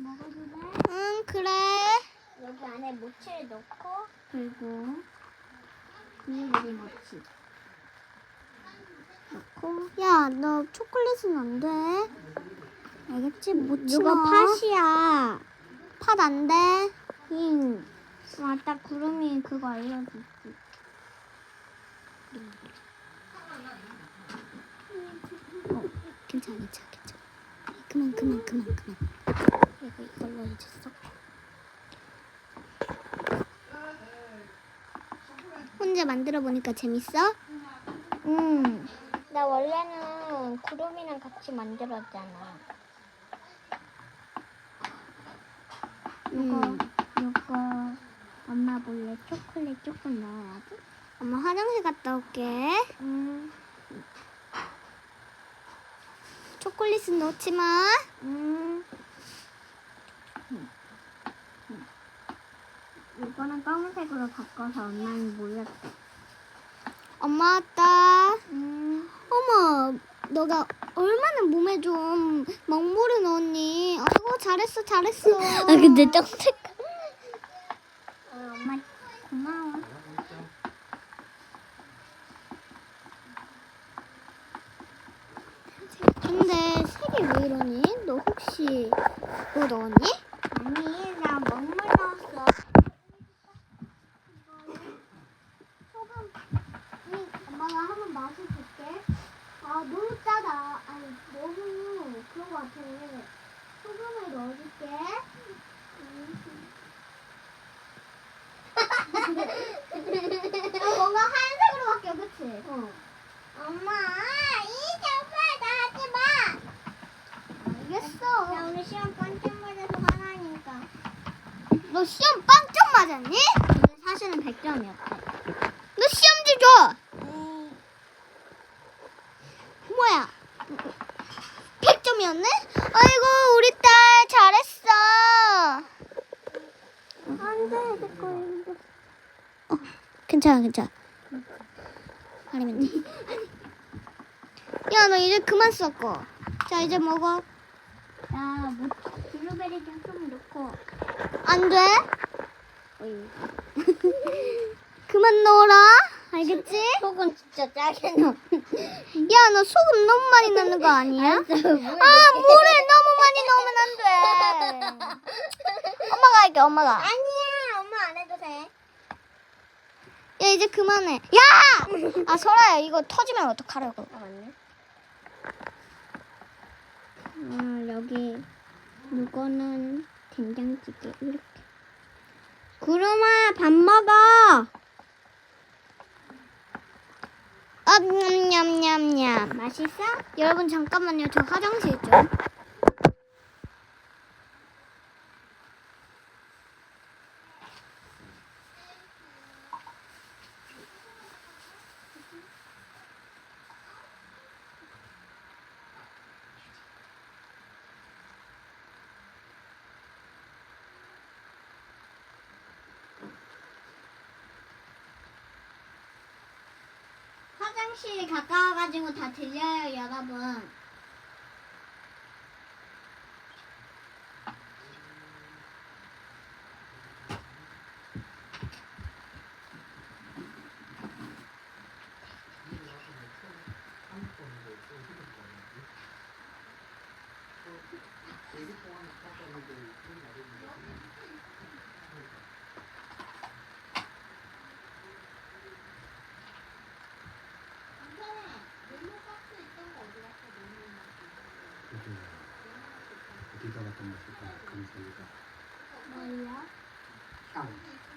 먹어도 돼? 응, 그래. 여기 안에 모치를 넣고 그리고 비닐들이 모치 넣고. 야, 너 초콜릿은 안 돼. 알겠지? 못 이거 팥이야. 팥 안 돼. 응. 맞다. 구름이 그거 알려줬지. 괜찮아. 그만. 그리고 이걸로 이제 섞어. 혼자 만들어 보니까 재밌어? 나 원래는 구름이랑 같이 만들었잖아. 이거 엄마 몰래 초콜릿 조금 넣어야지. 엄마 화장실 갔다 올게. 초콜릿은 넣지 마. 이거는 검은색으로 바꿔서 엄마는 몰랐어. 엄마 왔다. 어머, 너가 얼마나 몸에 좀 먹물을 넣었니? 아이고, 잘했어. 근데 쩍색. 엄마 고마워. 근데 색이 왜 이러니? 너 혹시 뭐 넣었니? 아니, 나 먹물 넣었어. 소금. 엄마가 한번 맛을 볼게. 아, 너무 짜다. 아니, 너무 그런 거 같아. 소금을 넣어줄게. 뭔가 하얀색으로 바뀌어, 그치? 엄마, 이 정말 나 하지 마. 알겠어. 나 오늘 시험 빵점 맞아서 화나니까. 너 시험 빵점 맞았니? 근데 사실은 100점이었대. 너 시험지 줘. 뭐야? 100점이었네? 아이고, 우리 딸 잘했어. 안 돼, 내 거인데. 괜찮아. 아니면 돼. 야, 너 이제 그만 섞어. 자, 이제 먹어. 나 블루베리 좀 넣고. 안 돼? 그만 넣어라. 알겠지? 소금 진짜 짜게 넣어. 야, 너 소금 너무 많이 넣는 거 아니야? 알았어, 아, 물을 너무 많이 넣으면 안 돼. 엄마가 할게, 엄마가. 아니야, 엄마 안 해도 돼. 야, 이제 그만해. 야! 아, 설아야, 이거 터지면 어떡하려고. 맞네. 여기 이거는 된장찌개 이렇게. 구름아, 밥 먹어. 냠냠냠냠. 맛있어? 여러분, 잠깐만요. 저 화장실 좀. 화장실이 가까워가지고 다 들려요, 여러분. 어디다 갖다 놨을까? 감성이가. 뭘요? 향.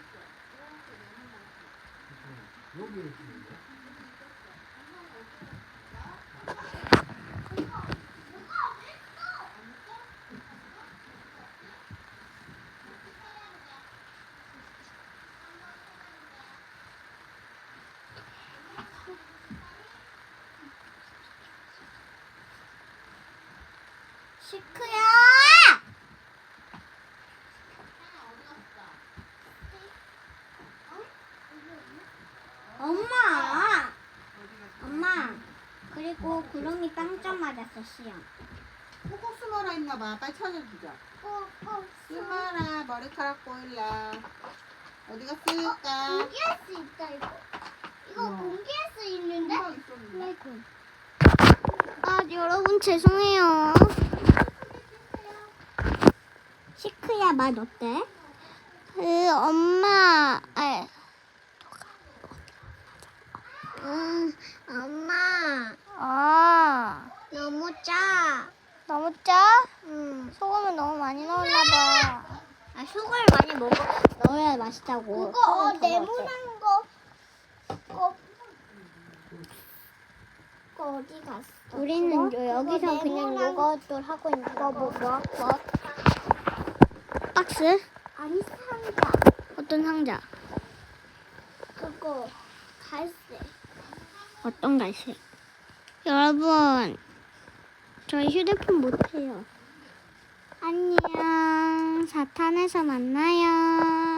여기 있는데? 시크야! 엄마! 그리고 구름이 빵점 맞았어, 시험. 꾹꾹 숨어라 있나봐. 빨리 찾아주자. 숨어라 머리카락 보일라. 어디 갔을까? 공개할 수 있다 이거. 이거 공개할 수 있는데? 금방 있었는데. 아 여러분 죄송해요. 시크야 맛 어때? 엄마. 엄마. 너무 짜. 너무 짜? 응. 소금을 너무 많이 넣었나 봐. 아, 소금을 많이 넣어야 맛있다고. 그거 네모난 거. 그거 어디 갔어? 우리는 그거? 여기서 그거 그냥 네모난 요것도 하고 있는 거. 뭐? 박스? 아니, 상자. 어떤 상자? 그거 갈색. 어떤 갈색? 여러분, 저희 휴대폰 못해요. 안녕. 사탄에서 만나요.